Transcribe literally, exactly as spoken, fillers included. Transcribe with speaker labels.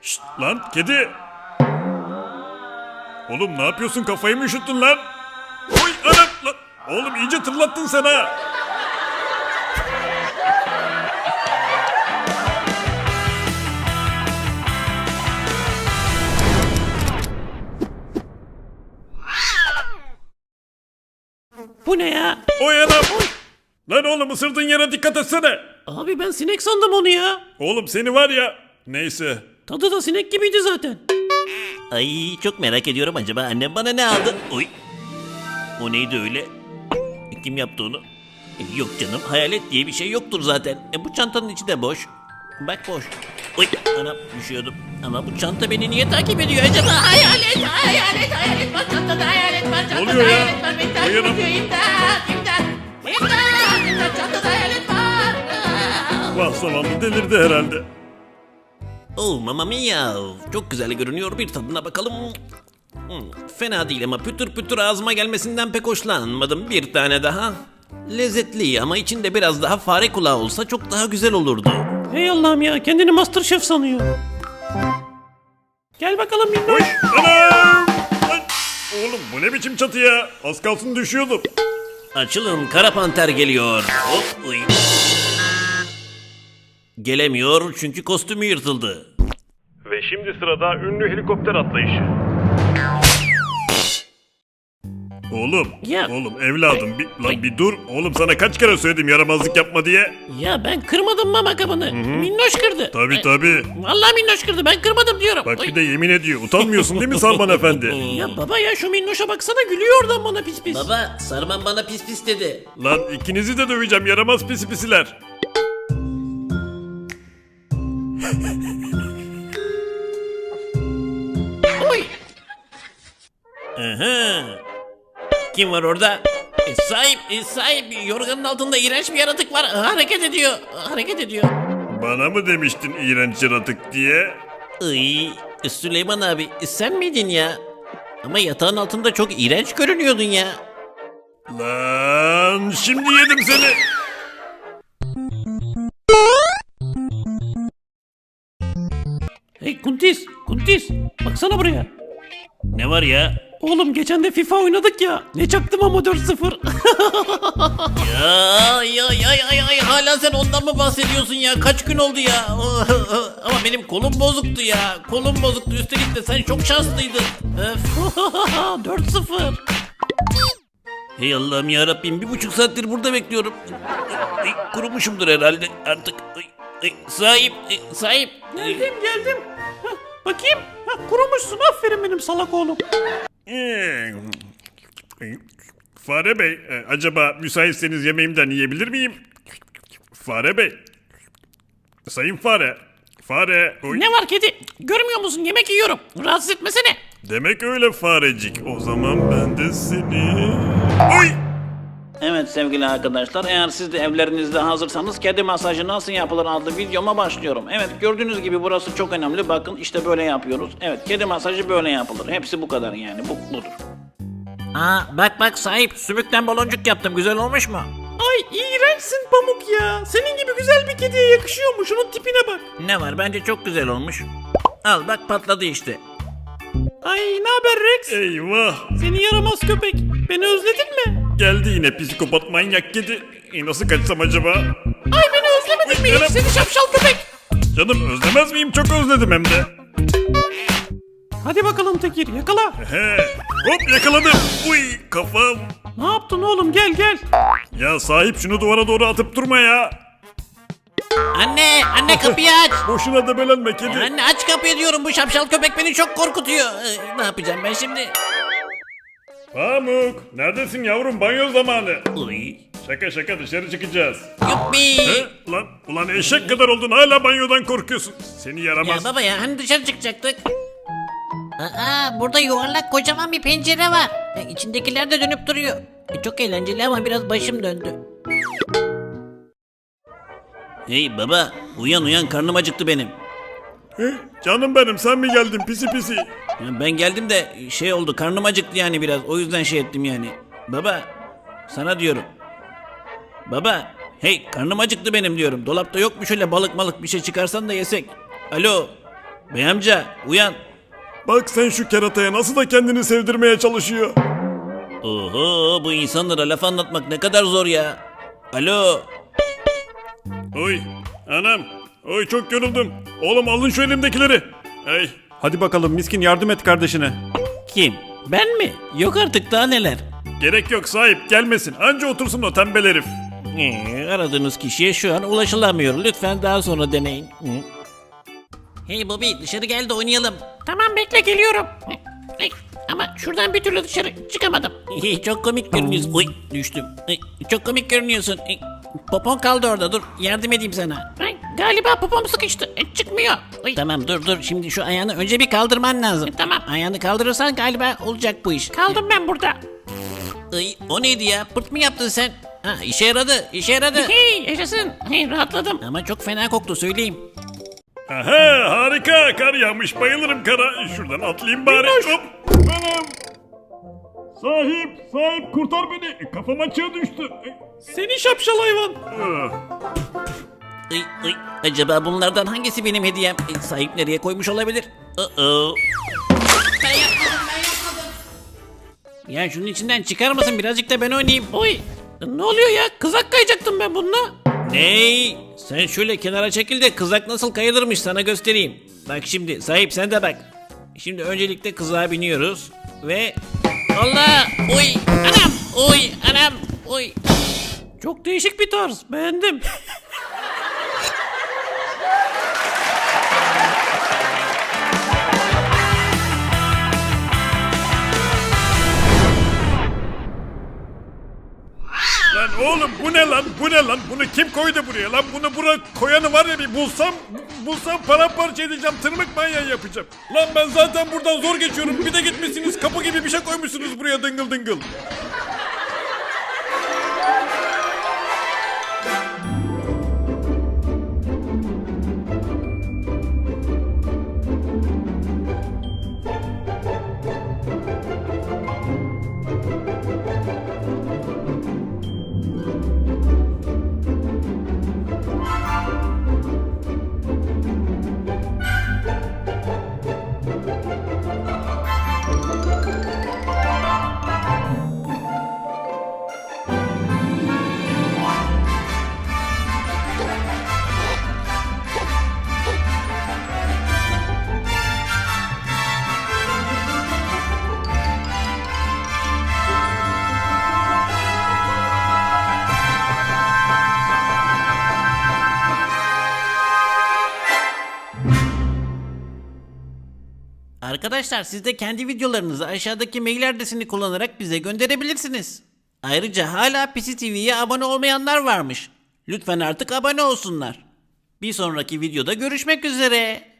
Speaker 1: Şşt lan kedi. Oğlum ne yapıyorsun, kafayı mı üşüttün lan? Oy anam lan. Oğlum iyice tırlattın sen ha.
Speaker 2: Bu ne ya?
Speaker 1: Oy anam. Lan oğlum ısırdığın yere dikkat etsene.
Speaker 2: Abi ben sinek sandım onu ya.
Speaker 1: Oğlum seni var ya. Neyse.
Speaker 2: Tadı da sinek gibiydi zaten.
Speaker 3: Ay çok merak ediyorum, acaba annem bana ne aldı? Oy. O neydi öyle? Kim yaptı onu? E, yok canım, hayalet diye bir şey yoktur zaten. E, bu çantanın içi de boş. Bak boş. Oy anam, düşüyordum. Ama bu çanta beni niye takip ediyor acaba? Hayalet, hayalet, hayalet var çantada, hayalet var çantada,
Speaker 1: Oluyor ya.
Speaker 3: hayalet var. Beni takip
Speaker 1: Uyanın.
Speaker 3: ediyor, imdat, imdat. İmdat, imdat, çantada hayalet var.
Speaker 1: Vah zavallı, delirdi herhalde.
Speaker 3: Oh mamma mia, çok güzel görünüyor, bir tadına bakalım. Hmm, fena değil ama pütür pütür ağzıma gelmesinden pek hoşlanmadım. Bir tane daha. Lezzetli ama içinde biraz daha fare kulağı olsa çok daha güzel olurdu.
Speaker 2: Hey Allah'ım ya, kendini Masterchef sanıyor. Gel bakalım
Speaker 1: Oy
Speaker 2: minnoş.
Speaker 1: anam. Lan. Oğlum bu ne biçim çatı ya? Az kalsın düşüyordum.
Speaker 3: Açılın, kara panter geliyor. Hop, uy. Gelemiyor çünkü kostümü yırtıldı.
Speaker 1: Ve şimdi sırada ünlü helikopter atlayışı. Oğlum,
Speaker 2: Ya.
Speaker 1: oğlum evladım bir, lan bir dur. Oğlum sana kaç kere söyledim yaramazlık yapma diye.
Speaker 2: Ya ben kırmadım mama kabını. Minnoş kırdı.
Speaker 1: Tabi
Speaker 2: Ay,
Speaker 1: tabi.
Speaker 2: Vallahi minnoş kırdı, ben kırmadım diyorum.
Speaker 1: Bak
Speaker 2: Oy.
Speaker 1: bir de yemin ediyor. Utanmıyorsun değil mi Sarman Efendi?
Speaker 2: Ya baba ya, şu minnoşa baksana, gülüyor oradan bana pis pis.
Speaker 3: Baba, Sarman bana pis pis dedi.
Speaker 1: Lan ikinizi de döveceğim yaramaz pisi pisiler.
Speaker 2: Oy.
Speaker 3: Aha. Kim var orada? E, sahip, e, sahip. Yorganın altında iğrenç bir yaratık var. Hareket ediyor, hareket ediyor.
Speaker 1: Bana mı demiştin iğrenç yaratık diye?
Speaker 3: Iy, e, Süleyman abi, e, sen miydin ya? Ama yatağın altında çok iğrenç görünüyordun ya.
Speaker 1: Lan şimdi yedim seni.
Speaker 2: Hey Kuntis, Kuntis, baksana buraya.
Speaker 3: Ne var ya?
Speaker 2: Oğlum geçen de FIFA oynadık ya. Ne çaktım ama dört sıfır.
Speaker 3: Ya ya ya ya ya hala sen ondan mı bahsediyorsun ya? Kaç gün oldu ya? Ama benim kolum bozuktu ya. Kolum bozuktu, üstelik de sen çok şanslıydın. Öf.
Speaker 2: dört sıfır.
Speaker 3: Hey Allah'ım ya Rabbim, bir buçuk saattir burada bekliyorum. Ay, kurumuşumdur herhalde artık. Ay, ay, sahip, ay, sahip.
Speaker 2: Geldim geldim. Hah, bakayım. Hah, kurumuşsun, aferin benim salak oğlum.
Speaker 1: Ee, Fare Bey, e, acaba müsaitseniz yemeğimden yiyebilir miyim? Fare Bey. Sayın Fare. Fare. Oy.
Speaker 2: Ne var kedi? Görmüyor musun, yemek yiyorum. Rahatsız etmesene.
Speaker 1: Demek öyle farecik. O zaman ben de seni... Oy!
Speaker 4: Evet sevgili arkadaşlar, eğer siz de evlerinizde hazırsanız kedi masajı nasıl yapılır adlı videoma başlıyorum. Evet, gördüğünüz gibi burası çok önemli, bakın işte böyle yapıyoruz. Evet, kedi masajı böyle yapılır, hepsi bu kadar yani, bu budur.
Speaker 3: Aa, bak bak sahip, sümükten baloncuk yaptım, güzel olmuş mu?
Speaker 2: Ay iğrençsin Pamuk ya. Senin gibi güzel bir kediye yakışıyor mu? Şunun tipine bak.
Speaker 3: Ne var, bence çok güzel olmuş. Al bak, patladı işte.
Speaker 2: Ay ne haber Rex?
Speaker 1: Eyvah!
Speaker 2: Seni yaramaz köpek. Beni özledin mi?
Speaker 1: Geldi yine psikopat manyak kedi. E, nasıl kaçsam acaba?
Speaker 2: Ay beni özlemedin mi hiç,
Speaker 1: Canım.
Speaker 2: seni şapşal köpek?
Speaker 1: Canım özlemez miyim? Çok özledim hem de.
Speaker 2: Hadi bakalım Tekir, yakala.
Speaker 1: He. Hop yakaladım. Uy kafam.
Speaker 2: Ne yaptın oğlum, gel gel.
Speaker 1: Ya sahip şunu duvara doğru atıp durma ya.
Speaker 3: Anne, anne kapıyı aç.
Speaker 1: Boşuna debelenme kedi.
Speaker 3: Anne aç kapıyı diyorum, bu şapşal köpek beni çok korkutuyor. Ee, ne yapacağım ben şimdi?
Speaker 1: Pamuk neredesin yavrum, banyo zamanı.
Speaker 3: Uy.
Speaker 1: Şaka şaka, dışarı çıkacağız.
Speaker 3: Yuppi.
Speaker 1: He? Lan ulan eşek kadar oldun, hala banyodan korkuyorsun. Seni
Speaker 3: Ya
Speaker 1: yaramaz.
Speaker 3: baba ya, hani dışarı çıkacaktık? Aa, burada yuvarlak kocaman bir pencere var. E, içindekiler de dönüp duruyor. E, çok eğlenceli ama biraz başım döndü. Hey baba, uyan uyan, karnım acıktı benim.
Speaker 1: He? Canım benim, sen mi geldin pisi pisi?
Speaker 3: Ya ben geldim de şey oldu, karnım acıktı yani biraz, o yüzden şey ettim yani. Baba, sana diyorum. Baba, hey karnım acıktı benim diyorum. Dolapta yok mu şöyle balık malık bir şey çıkarsan da yesek. Alo. Bey amca uyan.
Speaker 1: Bak sen şu kerataya nasıl da kendini sevdirmeye çalışıyor.
Speaker 3: Oho bu insanlara laf anlatmak ne kadar zor ya. Alo.
Speaker 1: Oy anam. Oy çok yoruldum. Oğlum alın şu elimdekileri. Ey.
Speaker 2: Hadi bakalım miskin yardım et kardeşine.
Speaker 3: Kim? Ben mi? Yok artık daha neler.
Speaker 1: Gerek yok sahip gelmesin. Anca otursun o tembel herif.
Speaker 3: Ee, aradığınız kişiye şu an ulaşılamıyor. Lütfen daha sonra deneyin. Hı. Hey Bobby dışarı gel de oynayalım.
Speaker 5: Tamam bekle geliyorum. Ay, ama şuradan bir türlü dışarı çıkamadım.
Speaker 3: Hey, çok komik görünüyorsun. Oy düştüm. Ay, çok komik görünüyorsun. Ay, popon kaldı orada dur yardım edeyim sana.
Speaker 5: Ay, galiba popom sıkıştı. E, çıkmıyor. Ay,
Speaker 3: Tamam dur dur şimdi şu ayağını önce bir kaldırman lazım.
Speaker 5: E, tamam.
Speaker 3: Ayağını kaldırırsan galiba olacak bu iş.
Speaker 5: kaldım ben burada.
Speaker 3: Ay, o neydi ya? Pırt mı yaptın sen? Ha işe yaradı işe yaradı.
Speaker 5: Hey yaşasın. Hey, rahatladım.
Speaker 3: Ama çok fena koktu söyleyeyim.
Speaker 1: Aha harika kar yağmış bayılırım kara. Şuradan atlayayım bari. Hop. Anam. Sahip sahip kurtar beni. Kafam açığa düştü.
Speaker 2: Seni şapşal hayvan.
Speaker 1: Ah.
Speaker 3: Ay, ay, acaba bunlardan hangisi benim hediyem? E, sahip nereye koymuş olabilir? Uh-oh.
Speaker 5: Ben yapmadım ben yapmadım.
Speaker 3: Ya şunun içinden çıkar mısın? Birazcık da ben oynayayım.
Speaker 5: Oy. Ne oluyor ya? Kızak kayacaktım ben bununla.
Speaker 3: Ney? Sen şöyle kenara çekil de kızak nasıl kayılırmış sana göstereyim. Bak şimdi sahip sen de bak. Şimdi öncelikle kızağa biniyoruz ve
Speaker 5: Allah. Oy. Anam. Oy. Anam. Oy.
Speaker 2: Çok değişik bir tarz. Beğendim.
Speaker 1: Lan oğlum bu ne lan bu ne lan bunu kim koydu buraya lan bunu bura koyanı var ya bir bulsam bu- bulsam paramparça edeceğim tırmık manyağı yapacağım. Lan ben zaten buradan zor geçiyorum bir de gitmişsiniz kapı gibi bir şey koymuşsunuz buraya dıngıl dıngıl.
Speaker 3: arkadaşlar siz de kendi videolarınızı aşağıdaki mail adresini kullanarak bize gönderebilirsiniz. Ayrıca hala P C T V'ye abone olmayanlar varmış. Lütfen artık abone olsunlar. Bir sonraki videoda görüşmek üzere.